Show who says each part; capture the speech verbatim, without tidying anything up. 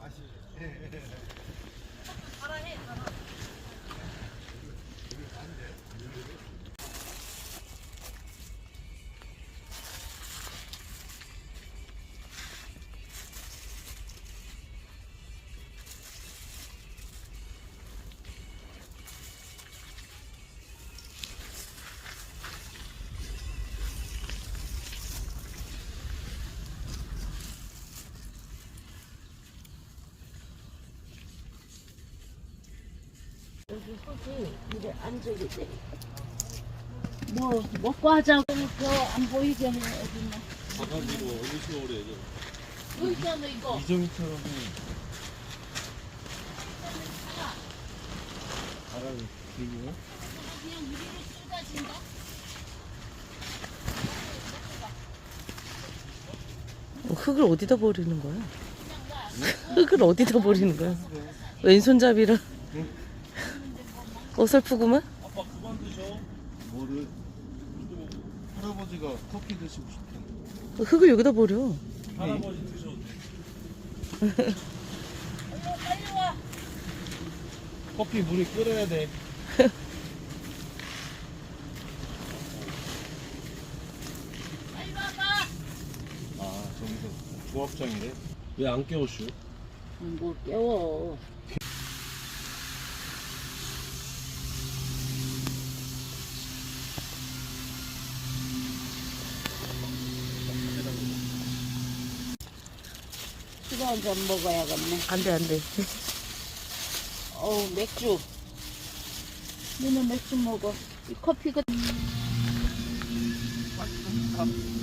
Speaker 1: 여기 흙이 이래 안쪽이 돼. 뭐 먹고 하자고 안 보이게 해 어딨나?
Speaker 2: 바가지로 어디서 오래 해줘.
Speaker 1: 여기 있잖아 이거.
Speaker 2: 이정희처럼 바람이 길고.
Speaker 1: 그냥 위로 쏟아진다.
Speaker 3: 흙을 어디다 버리는 거야? 흙을 어디다 버리는 거야? 왼손잡이라 어설프구만?
Speaker 2: 아빠 그만 드셔. 뭐를? 할아버지가 커피 드시고 싶대.
Speaker 3: 흙을 여기다 버려.
Speaker 2: 할아버지 드셔도 돼.
Speaker 1: 빨리 와.
Speaker 2: 커피 물이 끓어야 돼.
Speaker 1: 빨리 와봐.
Speaker 2: 아 저기서 조합장이래. 왜 안 깨워슈?
Speaker 1: 뭘 깨워. 술 한 잔 먹어야겠네.
Speaker 3: 안 돼, 안 돼.
Speaker 1: 어우 맥주. 너는 맥주 먹어. 이 커피가.
Speaker 2: 밥.